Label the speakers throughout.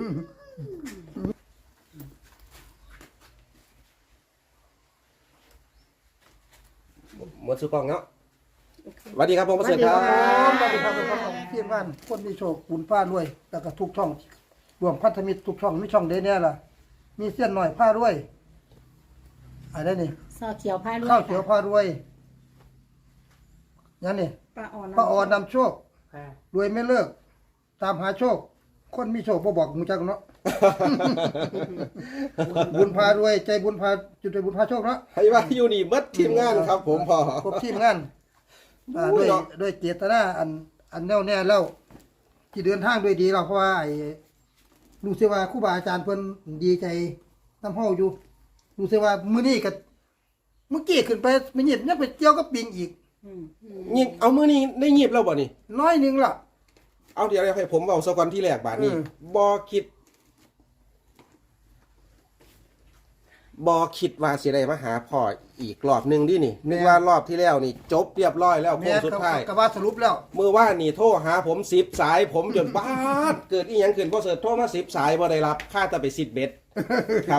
Speaker 1: หมดสุกองเนาะสวัสดีครับผมประเสริฐครับ
Speaker 2: สวัสดีครับพี่บ้านคนมีโชคบุญฟ้ารวยแล้วก็ทุกช่องรวมพันธมิตรทุกช่องมีช่องเดเนี่ยล่ะมีเส้นหน่อยผ้ารวยอะไรนี่
Speaker 3: ซอเขียวผ้าด้วย
Speaker 2: ข้าวเขียวผ้ารวยนั่นนี่
Speaker 3: ป้าออน
Speaker 2: ป้าออนนำโชครวยไม่เลิกตามหาโชค คนมีโชคบ่บอกมูจักเนาะ บุญพารวยใจบุญพาจุดใจบุญพาโชคเนาะ
Speaker 1: ให้ว่าอยู่นี่มัดทีมงานครับ ผมพอ
Speaker 2: ครบทีมงานด้วยเจตนาอันแน่วแน่แล้วที่เดินทางด้วยดีเราเพราะว่ารู้สึกว่าครูบาอาจารย์เพิ่นดีใจน้ำเฮาอยู่รู้สึกว่ามื้อนี้ก็เมื่อกี้ขึ้นไปไม่หยิบยังไปเกี่ยวกับปิงอีก
Speaker 1: ยิบเอามือนี้ได้ยิบแล้วบ่นี่
Speaker 2: น้อยหนึงล่ะ
Speaker 1: เอาเดี๋ยวให้ผมเอาสกอนที่แรกบาทนี้บ่คิดว่าสิได้มาหาพ่ออีกรอบหนึงดินี่นึกว่ารอบที่แล้วนี่จบเรียบร้อยแล้วโค้งสุดท้าย
Speaker 2: ก็ว่าสรุปแล้ว
Speaker 1: เมื่อว่านี่โทรหาผม10 สาย ผมจนบ้าดเกิดอีหยังขึ้นพอเสิร์ชโทรมา10 สายบ่ได้รับค่าแต่ไป10 เบ็ดครับ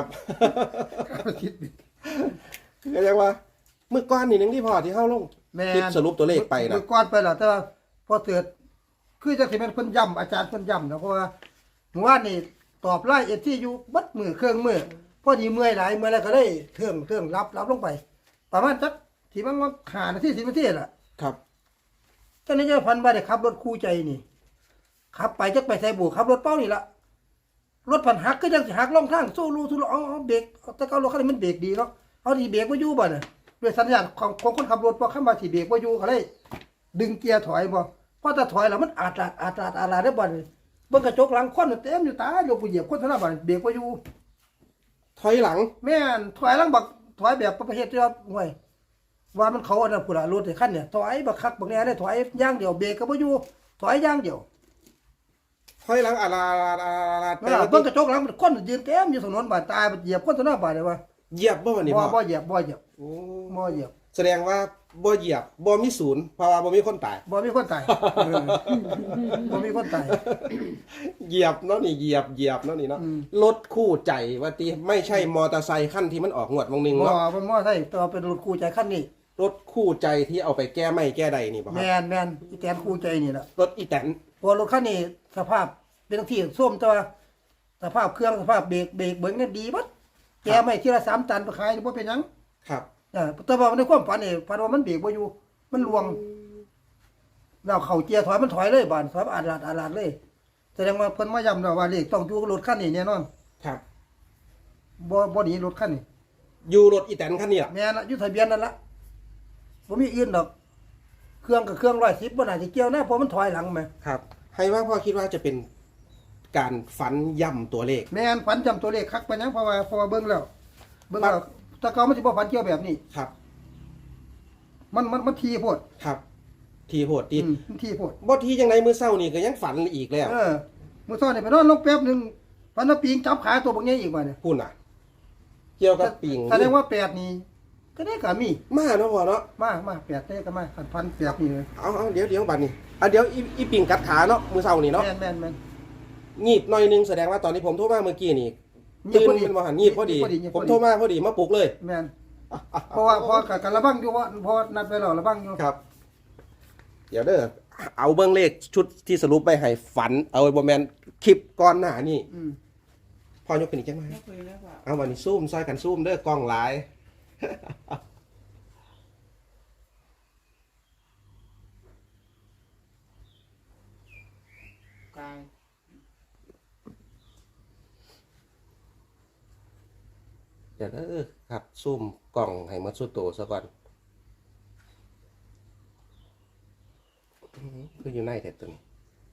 Speaker 1: ก็เรียกว่าเมื่อก่อนนี่หนึงที่พอที่เข้าลงคลิปสรุปตัวเลขไปนะ
Speaker 2: มือก้อนไปแล้วแต่ว่าพอเกิดคือจะสิเป็นเพิ่นย้ำอาจารย์เพิ่นย้ำนะเพราะว่าเมื่อวานนี่ตอบไล่ที่อยู่บัดมือเครื่องมือพอดีเมื่อยหลายเมื่อยแล้วก็ได้เทิงรับลงไป ประมาณจักที่มันว่า5 นาที10 นาทีล่ะ
Speaker 1: ครับ
Speaker 2: ตอนนี้เจ้าพันว่าได้ขับรถคู่ใจนี่ขับไปจักไปใส่บุขับรถเป้านี่ล่ะรถพันหักก็จังสิหักลงทางสู้รูทุลเอาเบรกแต่เก่ารถคันนี้มันเบรกดีเนาะเอาดีเบรกบ่อยู่บ่น่ะด้วยสัญญาณของคนขับรถพอเข้ามาสิเบรกบ่อยู่ก็เลยดึงเกียร์ถอยบ่พอถ้าถอยแล้วมันอาดได้บ่นี่เบิ่งกระจกหลังคนเต็มอยู่ตาโยกกูเหยียบคนเท่านั้นบ่เบรกบ่อยู่
Speaker 1: ถอยหลัง
Speaker 2: แม่นถอยหลังบักถอยแบบประเภทที่ว่าห่วยว่ามันเขาอันนั้นพุ่นล่ะรถไอ้คันเนี่ยถอยบักคักบักแน่ได้ถอยอย่างเดียวเบรกก็บ่อยู่ถอยอย่างเดียว
Speaker 1: ถอยหลังแต่
Speaker 2: เบิ่งกระจกหลังคนยืนเต็มอยู่ถนนบาดตายเหยียบคนเท่านั้นบ่ได้ว่า
Speaker 1: เหยียบบ่วันนี้พ่อ
Speaker 2: บ่เหยียบ
Speaker 1: โอ้
Speaker 2: เหยียบ
Speaker 1: แสดงว่าบ่เหยียบบ่มีศูนย์เพราะว่าบ่มีคนตาย
Speaker 2: บ่มีคนตายบ่มีคนตาย
Speaker 1: เหยียบเนาะนี่เหยียบเนาะนี่เนาะรถคู่ใจว่าติไม่ใช่มอเตอร์ไซค์คันที่มันออกงวดวงหนึง
Speaker 2: บ่
Speaker 1: เนาะ
Speaker 2: มันบ่ใช่ตัวเป็นรถคู่ใจคันนี้
Speaker 1: รถคู่ใจที่เอาไปแก้ไม่แก้ใดนี่บ่ครั
Speaker 2: แม่นอีแตนคู่ใจนี่ล่ะ
Speaker 1: รถอีแตน
Speaker 2: เพราะรถคันนี้สภาพเป็นที่ส้มแต่ว่าสภาพเครื่องสภาพเบรกเบิ่งนี่ดีบัดแกไม่ทีละ3 ตันไปขายบ่เป็นหยัง
Speaker 1: ครับ
Speaker 2: แต่ว่าในความฝันนี่ฝันว่ามันเบรกบ่อยู่มันลวงแล้วเข้าเกียร์ถอยมันถอยเลยบานถอยอาดลาดเลยแสดงว่าเพิ่นมาย้ำแล้วว่าเลขต้องอยู่กับรถคันนี้แน่นอน
Speaker 1: ครับ
Speaker 2: บ่หนีรถคันนี้
Speaker 1: อยู่รถอีแตนคันนี้ล่ะ
Speaker 2: แม่นอยู่ทะเบียนนั่นละบ่มีอื่นดอกเครื่องกับเครื่อง110บ่น่าสิเกี่ยวนะเพราะมันถอยหลังแม่
Speaker 1: ครับ ให้ว่าพ่อคิดว่าจะเป็นการฝันย่ำตัวเลข
Speaker 2: แม่นฝันจำตัวเลขคักไปหยังเพราะว่าเบิ่งแล้วแต่เก่ามันสิบ่ฝันเกี่ยวแบบนี้
Speaker 1: ครับ
Speaker 2: มันทีโพด
Speaker 1: ครับ ทีโหดตี
Speaker 2: มันทีโพด
Speaker 1: บ่ทีจังไดมื้อเช้านี่ก็ยังฝันอีกแล้ว
Speaker 2: มื้อซ้อนนี่ไปนอนลงแป๊บหนึงฝันว่าปิงจับขาตัวบักใหญ่อีกว่าเนี่ย
Speaker 1: พุ่นน่ะ เกี่ยวกับปิง
Speaker 2: แสดงว่า8นี่ก็ได้ก็มี
Speaker 1: มาเนาะพ่อเนาะ
Speaker 2: มา8ได้ก็มาพัน8นี่เลย
Speaker 1: เอาเดี๋ยวบัดนี้เดี๋ยวอีปิงกัดขาเนาะมื้อเช้านี่เนาะ
Speaker 2: แม่น
Speaker 1: งีบหน่อยนึงแสดงว่าตอนที่ผมโทรมาเมื่อกี้นี่
Speaker 2: งีบ
Speaker 1: ตื่น
Speaker 2: พอดี
Speaker 1: เป็นว่าหันงีบพอดี
Speaker 2: งีบพ
Speaker 1: ผ
Speaker 2: อดี
Speaker 1: มโทรมาพอดีมาปลุกเลย
Speaker 2: แม่นเพราะว่ากันระวังอยู่ว่าพอนัดไปแล้วระวังอยู่
Speaker 1: ครับ เดี๋ยวเด้อเอาเบื้องเลขชุดที่สรุปไปให้ฝัน เอาไว้บ่แม่นคลิปก่อนหน้านี่พอยกขึ้นอีกจังไหมเอาวันนี้ซูมซอยกันซูมเด้อกล้องหลาย
Speaker 3: กาย
Speaker 1: เดี๋ยวเด้อครับซูมกล้องให้หมดสุดโตซะก่อนคืออยู่ในแต่ตัวนี้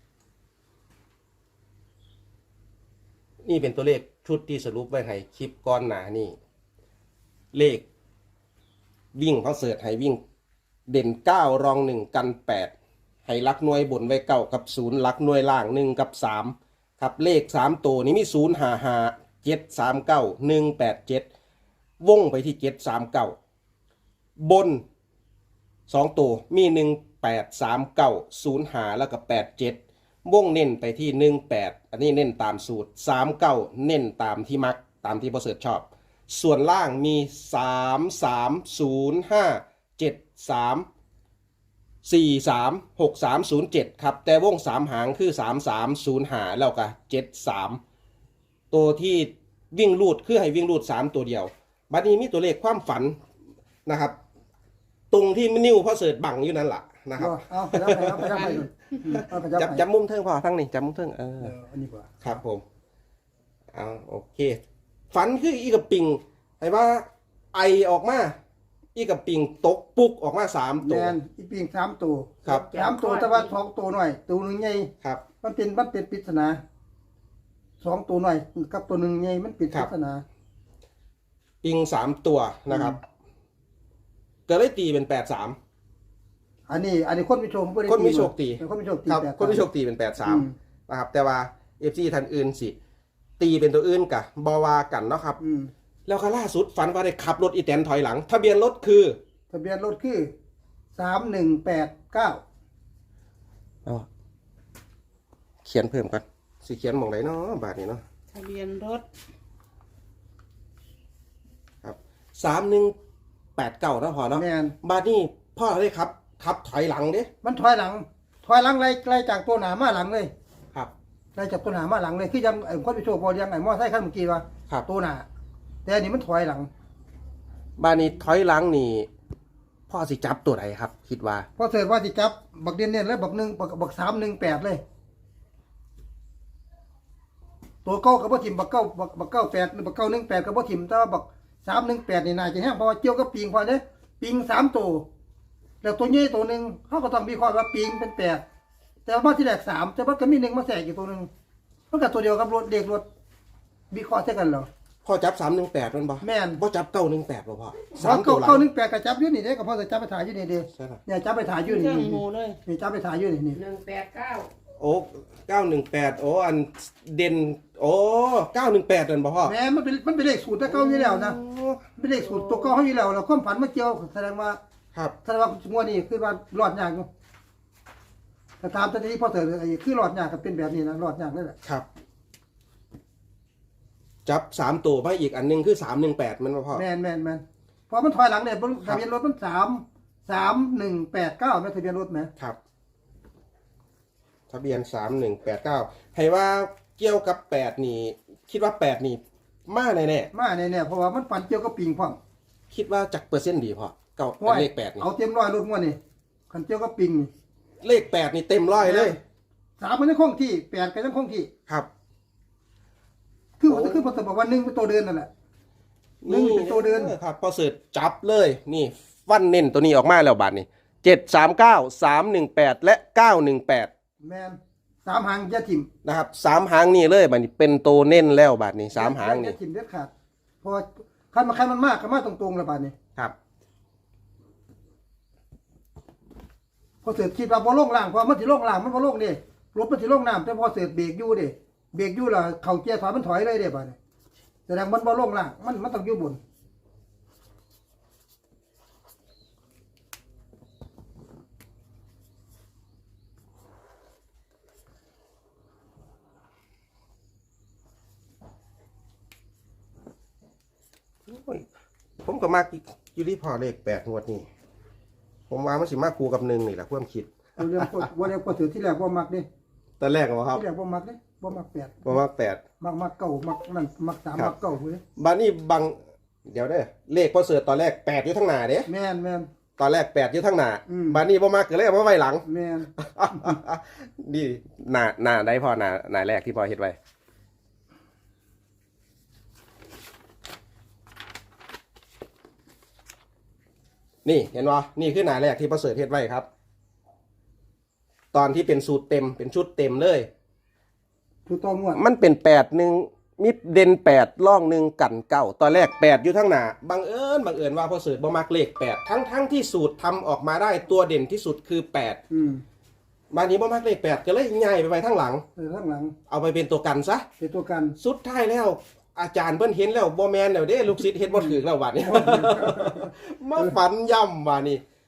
Speaker 1: นี่เป็นตัวเลขชุดที่สรุปไว้ให้คลิปก้อนหนานี่เลขวิ่งเขาเสิร์ชให้วิ่งเด่น9รอง1กัน8ให้ลักหน่วยบนไว้9กับ0ลักหน่วยล่าง1กับ3ครับเลข3ตัวนี้มี0 5 5 7 3 9 1 8 7วงไปที่7 3 9บน2ตัวมี1 8 3 9 0 5แล้วก็8 7 วงเน้นไปที่18อันนี้เน้นตามสูตร39เน้นตามที่มักตามที่พ่อเสิร์ชชอบส่วนล่างมี330573436307ครับแต่วง3หางคือ3305แล้วก็73ตัวที่วิ่งรูดคือให้วิ่งรูด3ตัวเดียวบัดนี้มีตัวเลขความฝันนะครับตรงที่นิ้วพ่อเสิร์ชบังอยู่นั่นแหละนะครับ
Speaker 2: เอาไปจับไปเอาไป
Speaker 1: จับมุมเทิงพอทั้งนี้จับมุมเทิง
Speaker 2: อันนี้กว่า
Speaker 1: ครับผมเอาโอเคฝันคืออีกับปิงไอ้ว่าไอออกมาอีกับปิงตกปุกออกมา3ตัว
Speaker 2: แมนอีปิง3ตัว
Speaker 1: ครับ
Speaker 2: 3ตัวแต่ว่า2ตัวหน่อยตัวหนึงใหญ่
Speaker 1: ครับ
Speaker 2: มันเป็นปริศนา2ตัวหน่อยกับตัวหนึงใหญ่มันเป็นปริศนา
Speaker 1: ปิง3ตัวนะครับก็เลยตีเป็น83
Speaker 2: อันนี้คนมีโชคบ่ได้
Speaker 1: คนมีโชคตี
Speaker 2: คนมีโชคตี
Speaker 1: ครับ
Speaker 2: แบบ
Speaker 1: คนที่โชคตีเป็น83นะครับแต่ว่า FC ท่านอื่นสิตีเป็นตัวอื่นกะบอวากันเนาะครับแล้วก็ล่าสุดฝันว่าได้ขับรถอีแตนถอยหลังทะเบียนรถคือ
Speaker 2: ทะเบียนรถคือ3189
Speaker 1: เขียนเพิ่มกันสิเขียนหมองไหนเนาะบาทนี้เนาะ
Speaker 3: ทะเบียนรถ
Speaker 1: ครับ3189นะพอเนาะ
Speaker 2: แม่น
Speaker 1: บาทนี้พ่อได้ขับถอยหลังเด้
Speaker 2: มันถอยหลังไล่จากตัวหน้ามาหลังเลย
Speaker 1: ครับ
Speaker 2: ไล่จากตัวหน้ามาหลังเลยคือยังไอ้คนมีโชคบ่ยังไอ้มอไซค์คันเมื่อกี้ว่า
Speaker 1: ครับ
Speaker 2: ตัวหน้าแต่อันนี้มันถอยหลัง
Speaker 1: บาทนี้ถอยหลังนี่พ่อสิจับตัวไหนครับ คิดว่า
Speaker 2: พอเสร็จว่าสิจับบักเด่นๆแล้วบัก318เลยตัวเก้ากับบ่ถิ่มบัก98หรือบัก918กับบ่ถิ่มแต่ว่าบัก318นี่น่าจะแห้งเพราะว่าเกี่ยวกับปิงพอเด้ปิง3ตัวแล้วตัวใหญ่ตัวนึงเฮาก็ต้องวิเคราะห์ว่าปิงเป็น8แต่ว่าที่แรก3แต่ว่าก็มี1มาแทรกอีกตัวนึงมันก็ตัวเดียวกับรถเด็กรถวิเคราะห์ใช่กันเหรอ
Speaker 1: พ่อจับ318มันบ่
Speaker 2: แม่น
Speaker 1: บ่จับ918บ่พ่อ
Speaker 2: สาม
Speaker 1: 3ตัวหลัง
Speaker 2: 918ก็จับอยู่นี่เด้ก็พอจะจับไปถ่ายอยู่นี่เด้
Speaker 1: ใช่ครับ
Speaker 2: เนี่ยจับไปถ่ายอยู่
Speaker 3: เค
Speaker 2: นี่
Speaker 3: รื่องหมูเลย
Speaker 2: นี่จับไปถ่ายอยู่นี่
Speaker 3: 189
Speaker 1: โอ้918โอ้อันเด่นโอ้918นั่นบ่พ่อ
Speaker 2: แม่มันเป็นเลขสูตรแต่เก่าอยู่แล้วนะเป็นเลขสูตรตัวเก่าเฮาอยู่แล้วแล้วความฝันมาเกี่ยวแสดงว่า
Speaker 1: ครับ
Speaker 2: ว่างวดนี้คือว่ารอดยากอยู่แต่ตามตอนนี้พอเถิดไอ้คือรอดยากก็เป็นแบบนี้นะรอดยากนั่นแหละ
Speaker 1: ครับ จับ3ตัวมาอีกอันหนึงคือ318มันบ่พ่อ
Speaker 2: แม่นพอมันถอยหลังเนี่ยทะเบียนรถมัน3189แม่ทะเบียนรถแม่
Speaker 1: ครับ ทะเบียน3189ให้ว่าเกี่ยวกับ8นี่ คิดว่า8นี่มาแน่
Speaker 2: มาแน่ๆเพราะว่ามันฝันเกี่ยวกับปิงพร้อม
Speaker 1: ๆคิดว่าจักเปอร์เซ็นต์ดีพ่อเก้า
Speaker 2: โอ้ย
Speaker 1: เลข8นี่
Speaker 2: เอาเต็มร้อยรถงวดนี่คันเกี่ยวกับปิงนี่
Speaker 1: เลข8นี่เต็มร้อยเลย
Speaker 2: 3มันยังคงที่8ก็ยังคงที่
Speaker 1: ครับ
Speaker 2: คือพอจะบอกว่า1เป็นตัวเดินนั่นแหละ นี่เป็นตัวเดิน
Speaker 1: ครับพอเสิร์ชจับเลย นี่ฟันเน้นตัวนี้ออกมาแล้วบาทนี่739 318และ918
Speaker 2: แม่น3หางอย่าทิ่ม
Speaker 1: นะครับ3หางนี่เลยบาทนี้เป็นตัวเน้นแล้วบาทนี้3หาง
Speaker 2: อย่
Speaker 1: นี่
Speaker 2: ทิ่มเด็ดขาดเพราะว่าคันมันมากก็มาตรงๆแล้วบาดนี้
Speaker 1: ครับ
Speaker 2: พอเสือคิดว่าบ่ลงล่างเพราะมันสิลงล่างมันบ่ลงเด้รถมันสิลงน้ำแต่พอเสือเบรกอยู่เด้เบรกอยู่แล้วเข้าเกียร์ถอยมันถอยเลยเด้บาดนี้แสดงมันบ่ลงล่างมันต้องอยู่บน
Speaker 1: โอ้ยผมก็มากอยู่ที่พอเลข8งวดนี่ผมว่ามันสิมากคูกับ1นี่แหละความคิด
Speaker 2: เอาเรื่องบ่ได้พอเสือที่แรกบ่มักเด้
Speaker 1: ตอนแรกเหรอครับ
Speaker 2: ที่แรกบ่มักเด้บ่มัก8
Speaker 1: ผมว่า8
Speaker 2: มักเก้ามักนั่นมัก3มักเก้าเว้ย
Speaker 1: บานี่บังเดี๋ยวเด้อเลขพอเสิร์ชตอนแรก8อยู่ทั้งหน้าเด้
Speaker 2: แม่น
Speaker 1: ตอนแรก8อยู่ทั้งหน้า
Speaker 2: อืม
Speaker 1: บานี่บ่มากก็เลยเอามาไว้หลัง
Speaker 2: แม่น
Speaker 1: นี่หน้าได้พอหน้าแรกที่พอเฮ็ดไว้นี่เห็นบ่นี่คือหน้าแรกที่พอเสิร์ชเฮ็ดไว้ครับ ตอนที่เป็นสูตรเต็มเป็นชุดเต็มเลย
Speaker 2: ถูกต้องงวด
Speaker 1: มันเป็น8 มีเด่น8ร่อง1กัน9ตอนแรก8อยู่ทั้งหน้าบังเอิญว่าพอเสิร์ชบ่มักเลข8ทั้งที่สูตรทำออกมาได้ตัวเด่นที่สุดคือ8บางนี้บ่มักเลข8ก็เลยย้ายไปไว้ทั้งหลัง
Speaker 2: ข้างหลัง
Speaker 1: เอาไปเป็นตัวกันซะ
Speaker 2: เป็นตัวกัน
Speaker 1: สุดท้ายแล้ว อาจารย์เพิ่นเห็นแล้วบ่แม่นแล้วเด้ลูกศิษย์เฮ็ดบ่ถูกแล้วบัดนี้ มาฝันย่ำว่านี่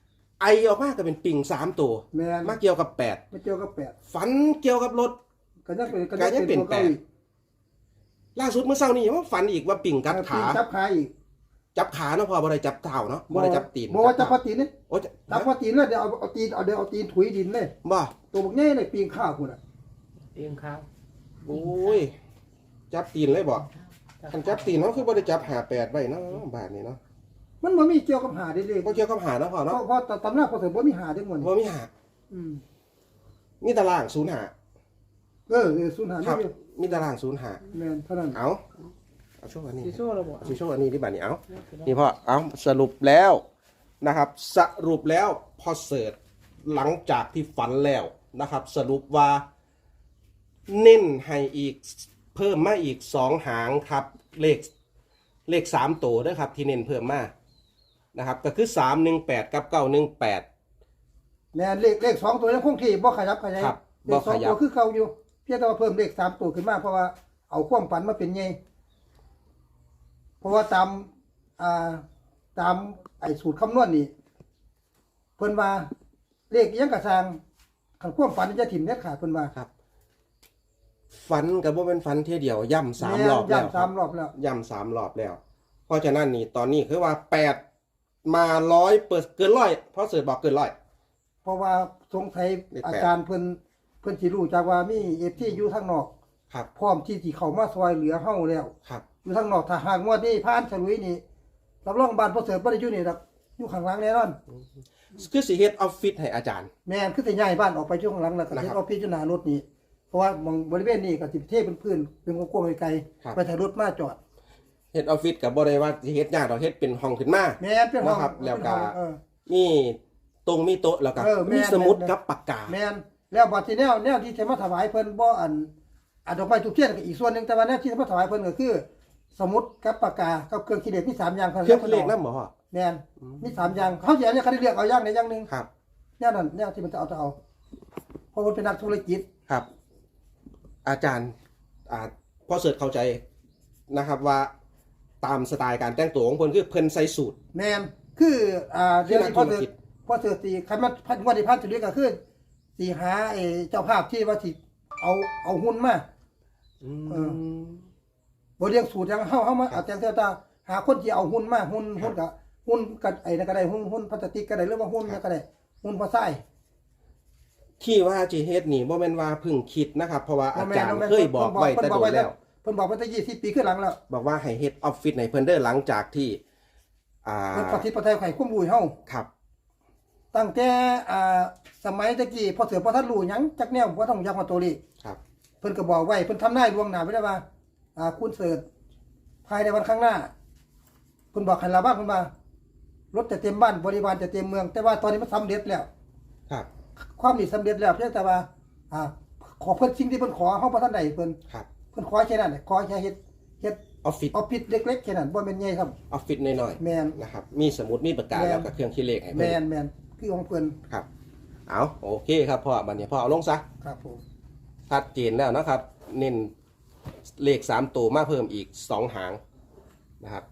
Speaker 1: ไอออกมาก็เป็นปิ่ง3ตัว
Speaker 2: แม่น
Speaker 1: มาเกี่ยวกับ8
Speaker 2: ไม่เกี่ยวกับแปด
Speaker 1: ฝันเกี่ยวกับรถ
Speaker 2: ก็ยังเป็น
Speaker 1: ก็ยังเป็น
Speaker 2: ตัวก่าอีก
Speaker 1: ล่าสุดเมื่อเช้านี้ว่าฝันอีกว่าปิ่งกัดขา
Speaker 2: จับขาอีก
Speaker 1: จับขาเนาะพอบ่ได้จับเท้าเนาะบ่ได้จับตีน
Speaker 2: บอกว่าจับพอตีนนี่
Speaker 1: โอ้ย
Speaker 2: จับพอตีนเลยเดี๋ยวเอาตีนเอาตีนถุยดินเลย
Speaker 1: บ่
Speaker 2: ตัวบักใหญ่เลยปีนข้าวคุณอ่ะ
Speaker 3: เตียงข้าว
Speaker 1: โอ้ยจับตีนเลยบ่คันจับตีนเนาะคือบ่ได้จับ58ไว้เนาะบาดนี้เนาะ
Speaker 2: มันบ่มีเกี่ยวกับหาได้เลย
Speaker 1: บ่เกี่ยวกับหาเนาะพ่อ
Speaker 2: เพ
Speaker 1: เนาะ
Speaker 2: ราะตำราพอเสริมบ่มีหาจังหวด
Speaker 1: บ่มีหา
Speaker 2: อืม
Speaker 1: มีตาราง0หา
Speaker 2: ศูนย์หา
Speaker 1: ครับ
Speaker 2: นี่
Speaker 1: มีตาราง0หา
Speaker 2: แม่นเท่านั้น
Speaker 1: เอาช่วงอันนี้
Speaker 3: สีโซ่เราบอก
Speaker 1: เอาช่วงอันนี้ที่บาดนี้เอานี่พ่อเอาสรุปแล้วนะครับ สรุปแล้วพอเสิร์ชหลังจากที่ฝันแล้วนะครับ สรุปว่าเน้นให้อีกเพิ่มมาอีก2หางครับเลข3ตัวด้วยครับที่เน้นเพิ่มมานะครับก็คือ318กับ918
Speaker 2: แม่นเลข2ตัวยังคงที่บ่ขยับขยาย
Speaker 1: ครับ
Speaker 2: เล
Speaker 1: บ่
Speaker 2: ข
Speaker 1: ข
Speaker 2: 2
Speaker 1: ยั
Speaker 2: ตั
Speaker 1: บ
Speaker 2: วคือเก่าอยู่เพียงแต่ว่าเพิ่มเลข3ตัวขึ้นมาเพราะว่าเอาความฝันมาเป็นไงเพราะว่าตามไอ้สูตรคำนวณนี่เพิ่นว่าเลขอิหยังกระสร้างคันความฝันจะถิ่มเน็ดขาดเพิ่นว่า
Speaker 1: ครับฝันกับว่าเป็นฝันเที่ยเดียวย่ำ3 รอบแล้ว
Speaker 2: ย่ำ3 รอบแล้ว
Speaker 1: ย่ำ3 รอบแล้ว เพราะฉะนั้นนี่ตอนนี้คือว่า8มา100%เกิน100เพราะเสิร์ชบอกเกิน100
Speaker 2: เพราะว่าสงสัย
Speaker 1: เลขแปด
Speaker 2: อาจารย์เพิ่นสิรู้จากว่ามีเอฟที่อยู่ทางนอก
Speaker 1: ครับ
Speaker 2: พร้อมที่สิเข้ามาซอยเหลือเฮาแล้ว
Speaker 1: ครับ
Speaker 2: อยู่ทางนอกถ้าหากงวดนี้ผ่านฉลุยนี่รับรองบ้านพ่อเสริฐบ่ได้อยู่นี่ดอกอยู่ข้างหลังแน่นอน
Speaker 1: คือสิเฮ็ดออฟฟิศให้อาจารย์
Speaker 2: แม่นคือสิย้ายบ้านออกไปอยู่ข้างหลังแล้วก็
Speaker 1: นะครับ
Speaker 2: เฮ็ดออฟฟิศอยู่หน้ารถนี่เพราะว่ามองบริเวณนี้ก็สิเทเป็นพื้นเป็นกว้างๆไกล
Speaker 1: ครับ
Speaker 2: ๆไปถ่ายรถมาจอด
Speaker 1: เฮ็ดออฟฟิศกับบ่ได้ว่าสิเฮ็ดยากดอกเฮ็ดเป็นห้องขึ้นมา
Speaker 2: แม่นเป็นห้อง
Speaker 1: นะครับแล้วก็
Speaker 2: เออ
Speaker 1: มีมีโต๊ะแล้วก็
Speaker 2: แม่น
Speaker 1: มีสมุด
Speaker 2: แม่น
Speaker 1: กับปากกา
Speaker 2: แม่นแล้วบัดที่แนวที่จะมาถวายเพิ่นบ่อันดอกไม้ทุกเทียนก็อีกส่วนหนึงแต่ว่าแนวที่จะมาถวายเพิ่นก็คือ สมุดกับปากกากับเครื่องคิดเลขมี3อย่าง
Speaker 1: เครื่องคิดเลขนำบ่พ่อ
Speaker 2: แม่นมี3อย่างเขาสิเอาเนี่ยเขาได้เลือกเอาอย่างใดอย่างหนึง
Speaker 1: ครับ
Speaker 2: แนวนั้นแนวที่มันจะเอาเพราะมันเป็นนักธุรกิจ
Speaker 1: ครับ อาจารย์พอเสิร์ชเข้าใจนะครับว่าตามสไตล์การแต่งตัวของเพิ่นคือเพิ่นใส่สูท
Speaker 2: แม่นคือเรื่องที่พอ
Speaker 1: ธุรกิจ
Speaker 2: พอเสือตีคันมาพันวันที่พันจุดนี้ก็คือสิหาไอ้เจ้าภาพที่ว่าสิเอาหุ้นมา เออ บ่เรียงสูตรยังเฮามาเอาจังเท่าตาหาคนที่เอาหุ้นมาหุ้นกับไอ้นั่นก็ได้หุ้นพลาสติกก็ได้หรือว่าหุ้นนั่นก็ได้หุ้นพอไส้
Speaker 1: ที่ว่าจีเฮ็ดนี่บ่แม่นว่าเพิ่งคิดนะครับ เพราะว่าอาจารย์เคยบอกไว้แต่โดนแล้ว
Speaker 2: เพิ่นบอกไว้ตั้ง20 ปีขึ้นหลังแล้ว
Speaker 1: บอกว่าให้เฮ็ดออฟฟิศในเพิ่นเด้อหลังจากที่
Speaker 2: เพิ่นปฏิปไตยไข่คุ้มรู้ให้เฮา
Speaker 1: ครับ
Speaker 2: ตั้งแต่สมัยตะกี้พอเสือพอท่านรู้หยังจักแนวบ่ต้องยักมาตัวเลข
Speaker 1: ครับ
Speaker 2: เพิ่นก็บอกไว้เพิ่นทำนายล่วงหน้าไว้แล้วว่าคุณเสิร์ชภายในวันข้างหน้าเพิ่นบอกให้ระวังเพิ่นว่ารถจะเต็มบ้านบริวารจะเต็มเมือง แต่ว่าตอนนี้มันสำเร็จแล้ว
Speaker 1: ครับ
Speaker 2: ความนี้สำเร็จแล้วเพียงแต่ว่าขอเพิ่นสิ่งที่เพิ่นขอเฮาบ่ทันได้เพิ่น
Speaker 1: ครับ
Speaker 2: เพิ่นขอแค่นั้นขอแค่เฮ็ด
Speaker 1: ออฟฟิศ
Speaker 2: ออฟฟิศเล็กๆแค่นั้นบ่แม่นใหญ่ครับ
Speaker 1: ออฟฟิศน้อย
Speaker 2: แม่น
Speaker 1: ๆนะครับ มีสมุดมีปากกา
Speaker 2: แม่น
Speaker 1: แล้วก็เครื่องคิดเลขให้เพิ่
Speaker 2: แม่
Speaker 1: น
Speaker 2: นแม่นคือของเพิ่น
Speaker 1: ครับ เอาโอเคครับพ่อบัดนี้พ่อเอาลงซะ
Speaker 2: ครับผม
Speaker 1: ชัดเจนแล้วนะครับ เน้นเลข3ตัวมาเพิ่มอีก2หางนะครับ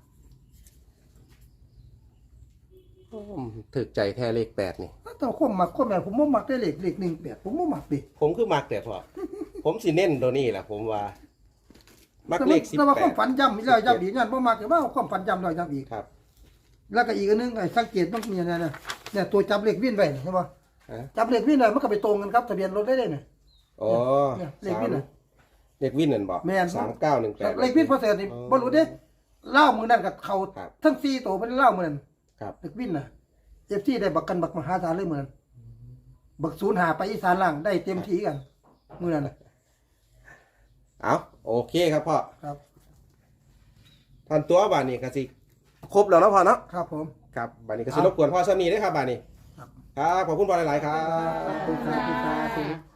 Speaker 1: โอ้ถึกใจแท้เลข8นี่
Speaker 2: แต่คนมักคนแม่ผมบ่มักได้เลข18ผมบ่มักดิ
Speaker 1: ผมคือมักแต่พ่อ ผมสิเน้นตัวนี้แหละผมว่า มักเลข
Speaker 2: แต่ว่าความฝัน
Speaker 1: 18
Speaker 2: ย้ำอีกแล้วย้ำอีกนั่นบ่มักแต่ว่าความฝันย้ำแล้วย้ำอีก
Speaker 1: ครับ
Speaker 2: แล้วก็อีกอันนึงไอ้สังเกตมันมีอะไรนะเนี่ยตัวจับเลขวิ่นไว้เห็นป่ะ
Speaker 1: ฮะ
Speaker 2: จับเลขวิ่นเลยมันก็ไปตรงกันครับทะเบียนรถได้เลยเนี่ย
Speaker 1: อ๋อ
Speaker 2: เนี่ยเลขวินน่ะ
Speaker 1: เลขวินนั่นบอก
Speaker 2: แม่น
Speaker 1: 3918
Speaker 2: เลขวิ่นพอเสร็จนี่บ่รู้เด้เล่ามือนั่นกับเขา
Speaker 1: ครับ
Speaker 2: ทั้ง4ตัวเป็นเล่ามือนั่น
Speaker 1: ครับ
Speaker 2: เลขวิ่นน่ะFCได้บักกันบักมหาศาลเลยมือนั้นบัก0หาไปอีสานล่างได้เต็มที่กันมือนั้นน่ะ
Speaker 1: เอาโอเคครับพ่อ
Speaker 2: ครับ
Speaker 1: ท่านตัวบานนี้ก็สิครบแล้วเนาะพ่อเนาะ
Speaker 2: ครับผม
Speaker 1: ครับบานนี้ก็สิรบกวนพ่อซ้ำนี้ด้วยครับบานนี้
Speaker 2: ครับ
Speaker 1: ครับขอบคุณพ่อหลายๆครับ
Speaker 2: ขอบคุณครับ